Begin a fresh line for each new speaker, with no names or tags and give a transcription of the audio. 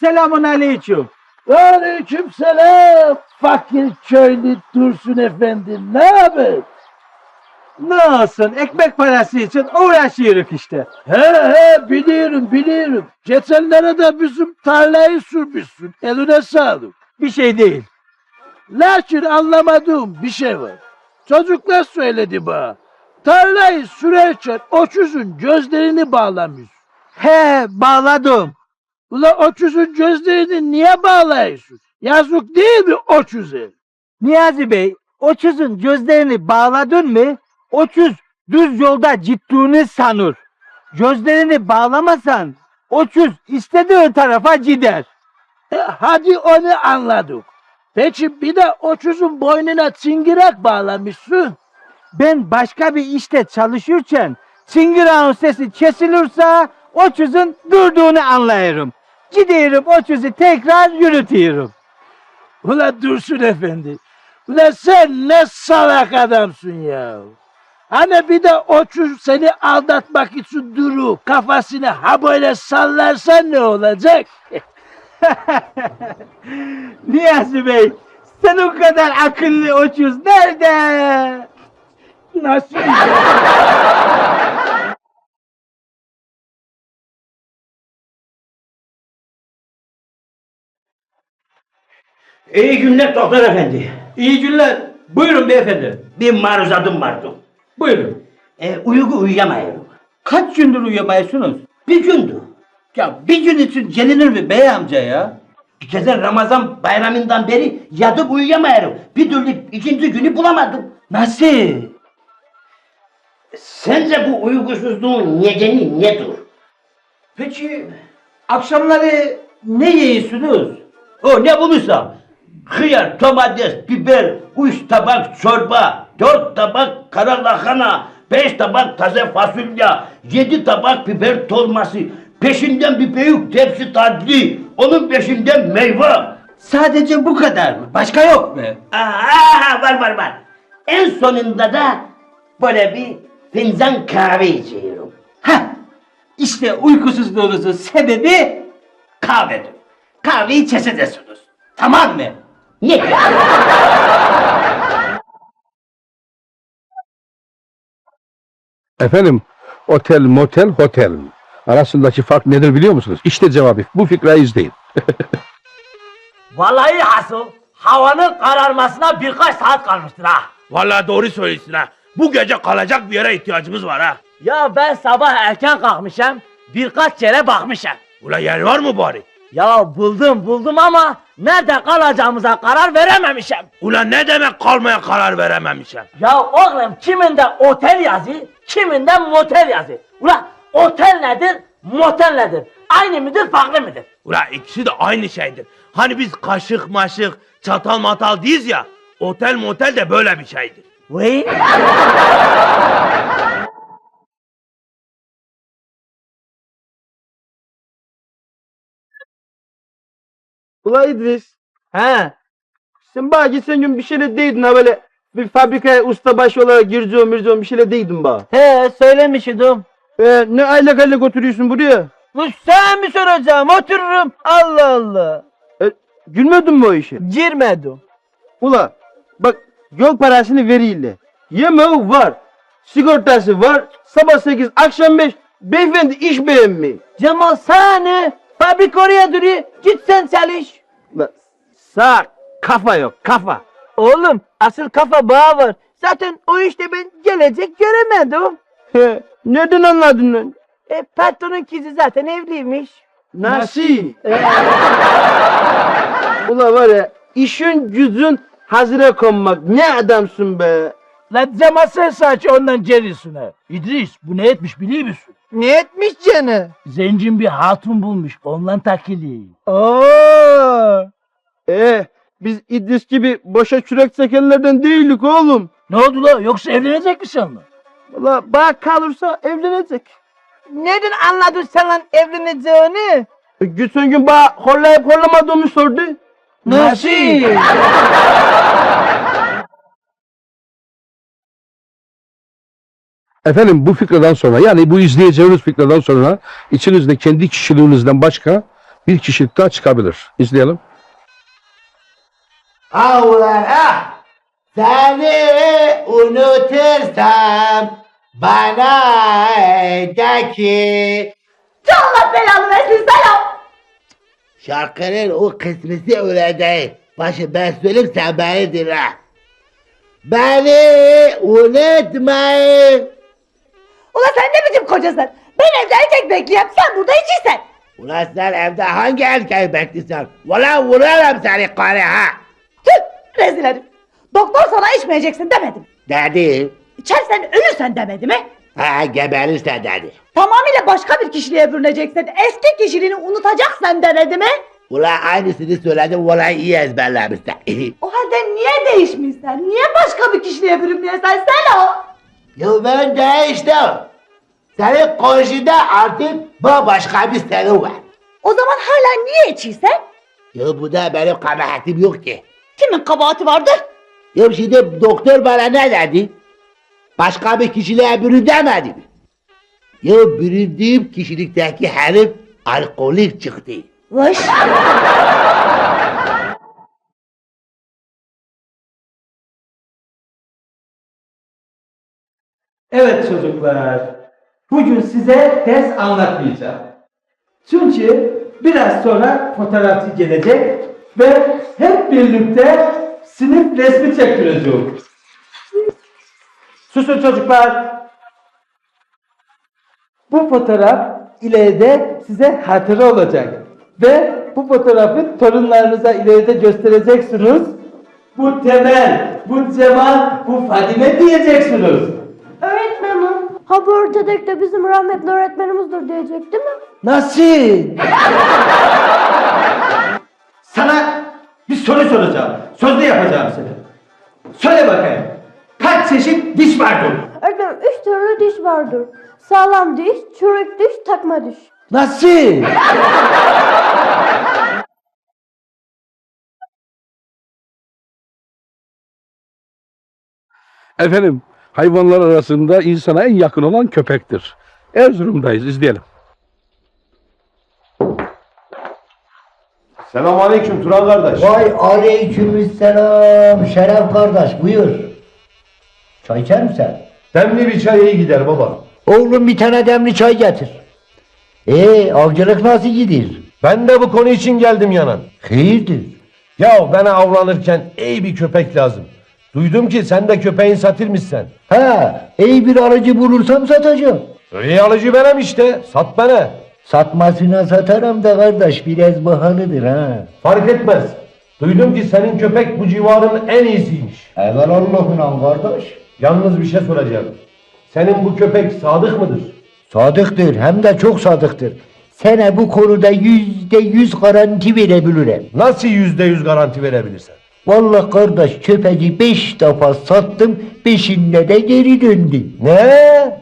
Selamun aleyküm.
Aleykümselam. Fakir köylü Dursun Efendi, ne haber?
Ne olsun, ekmek parası için uğraşıyoruz işte.
He biliyorum. Geçenlere de bizim tarlayı sürmüşsün. Eline sağlık.
Bir şey değil.
Lakin anlamadığım bir şey var. Çocuklar söyledi bana. Tarlayı sürerken öküzün gözlerini bağlamış.
He, bağladım.
Ula öküzün gözlerini niye bağlıyorsun? Yazık değil mi öküze?
Niyazi Bey, o çözün gözlerini bağladın mı? O çöz düz yolda gittiğini sanır. Gözlerini bağlamasan o çöz istediği tarafa gider.
Hadi onu anladık. Peki bir de öküzün boynuna çıngırak bağlamışsın.
Ben başka bir işte çalışırken çıngırağın sesi kesilirse o çözün durduğunu anlayırım. Gidiyorum o çözü tekrar yürütüyorum.
Ula Dursun Efendi. Ula sen ne salak adamsın ya. Hani bir de öküz seni aldatmak için duru kafasını ha böyle sallarsan ne olacak?
Niyazi Bey, sen o kadar akıllı o çöz nerede?
Nasıl?
İyi günler doktor efendi.
İyi günler. Buyurun beyefendi.
Bir maruzadım vardı.
Buyurun.
Uyku uyuyamıyorum.
Kaç gündür uyuyamıyorsunuz?
Bir gündü.
Ya bir gün için gelinir mi bey amca ya?
Geçen Ramazan bayramından beri yatıp uyuyamıyorum. Bir türlü ikinci günü bulamadım.
Nasıl?
Sence bu uykusuzluğun nedeni nedir?
Peki akşamları ne yiyorsunuz?
O ne bulursam. Hıyar, domates, biber, 3 tabak çorba, 4 tabak kara lahana, 5 tabak taze fasulye, 7 tabak biber dolması, peşinden bir büyük tepsi tatlı, onun peşinden meyve.
Sadece bu kadar mı? Başka yok mu?
Var. En sonunda da böyle bir fincan kahve içiyorum.
Heh, işte uykusuzluğunuzun sebebi kahvedir. Kahveyi keseceksiniz. Tamam mı?
Ne?
Efendim, otel, motel, hotel. Arasındaki fark nedir biliyor musunuz? İşte cevabı. Bu fikri izleyin.
Vallahi hasıl havanın kararmasına birkaç saat kalmıştır ha.
Vallahi doğru söylüyorsun ha. Bu gece kalacak bir yere ihtiyacımız var ha.
Ya ben sabah erken kalkmışım, birkaç yere bakmışım.
Ula yer var mı bari?
Ya buldum ama nerede kalacağımıza karar verememişim.
Ula ne demek kalmaya karar verememişim?
Ya oğlum kiminde otel yazı, kiminde motel yazı. Ulan otel nedir, motel nedir? Aynı mıdır, farklı mıdır?
Ula ikisi de aynı şeydir. Hani biz kaşık maşık, çatal matal değiliz ya. Otel motel de böyle bir şeydir.
Vay.
Ula İdris,
He.
sen bana geçen gün bir şeyle değdin ha böyle bir fabrikaya ustabaşı olarak gireceğim bir şeyle değdin bana.
He söylemiştim.
Ne aylak oturuyorsun buraya?
Bu sen mi soracağım? Otururum. Allah Allah.
Gülmedin mi o işe?
Girmedim.
Ula bak yol parasını veriyle. Yemeği var, sigortası var, sabah 8 akşam 5 beyefendi iş beğenmiyor.
Cemal seni fabrika oraya duruyor. Git sen çalış.
Ula sağ kafa yok kafa.
Oğlum asıl kafa bağı var. Zaten o işte ben gelecek göremedim.
Nereden anladın lan?
Patronun kızı zaten evliymiş.
Nasıl? Ula var ya işin gücün hazıra konmak ne adamsın be.
La Cemal sen saç ondan cerisine. İdris bu ne etmiş biliyor musun?
Ne etmiş canı?
Zencin bir hatun bulmuş ondan takili.
Oo. Biz İdris gibi boşa çürek çekenlerden değildik oğlum.
Ne oldu la yoksa evlenecek misin onunla?
Valla bana kalırsa evlenecek.
Nereden anladın sen lan evleneceğini?
Geçen gün bana horlayıp horlamadığımı sordu.
Nasıl?
Efendim bu fikreden sonra yani bu izleyeceğiniz fikreden sonra içinizde kendi kişiliğinizden başka bir kişilik daha çıkabilir. İzleyelim.
Ah ulan ah! Seni unutursam bana de ki...
Allah belanı versin selam.
Şarkının o kısmısı öyle değil. Başı ben söyleyeyim sen beni dinle. Beni unutmayın.
Ulan sen ne biçim kocasın? Ben evde erkek bekliyorum, sen burada içiysen.
Ulan sen evde hangi erkeği bekliyorsun? Ulan vurarım seni karı ha!
Tüh, rezil herif. Doktor sana içmeyeceksin demedim.
Dedi.
İçersen ölürsen demedi mi?
Ha geberirse dedi.
Tamamıyla başka bir kişiliğe bürüneceksin. Eski kişiliğini unutacaksan demedi mi?
Ulan aynısını söyledim, ulan iyi ezberlemişsin.
O halde niye değişmişsen? Niye başka bir kişiliğe bürünmüyorsun sen o?
Ya ben değiştim. Senin karşında artık bambaşka bir seni var.
O zaman hala niye içiysen?
Ya bu da benim kabahatim yok ki.
Kimin kabahati vardır?
Ya şimdi doktor bana ne dedi? Başka bir kişiliğe bürün demedi mi? Ya büründüğüm kişilikteki herif alkolik çıktı.
Vış.
Evet çocuklar, bugün size ders anlatmayacağım. Çünkü biraz sonra fotoğrafçı gelecek ve hep birlikte sınıf resmi çektireceğim. Susun çocuklar. Bu fotoğraf ileride size hatıra olacak. Ve bu fotoğrafı torunlarınıza ileride göstereceksiniz. Bu Temel, bu Cemal, bu Fadime diyeceksiniz.
Öğretmenim, ha bu örtedek de bizim rahmetli öğretmenimizdir diyecek değil mi?
Nasıl? Sana bir soru soracağım. Sözlü yapacağım seni. Söyle bakayım. Kaç çeşit diş vardır?
Öğretmenim 3 türlü diş vardır. Sağlam diş, çürük diş, takma diş.
Nasıl?
Efendim, hayvanlar arasında insana en yakın olan köpektir. Erzurum'dayız, izleyelim.
Selamünaleyküm Turan kardeş.
Vay aleykümselam Şeref kardeş buyur. Çay içer misin?
Demli bir çay iyi gider baba.
Oğlum bir tane demli çay getir. Avcılık nasıl gidiyor?
Ben de bu konu için geldim yanan.
Hayırdır?
Ya bana avlanırken iyi bir köpek lazım. Duydum ki sen de köpeğin satırmışsın.
İyi bir alıcı bulursam satacağım.
İyi alıcı benim işte. Sat bana.
Satmasına satarım da kardeş biraz bahalıdır ha.
Fark etmez. Duydum ki senin köpek bu civarın en iyisiymiş.
Evvel Allah'ına kardeş.
Yalnız bir şey soracağım. Senin bu köpek sadık mıdır?
Sadıktır hem de çok sadıktır. Sana bu konuda %100 garanti verebilirim.
Nasıl %100 garanti verebilirsin?
Vallahi kardeş köpeği 5 defa sattım, 5'inde de geri döndü.
Ne?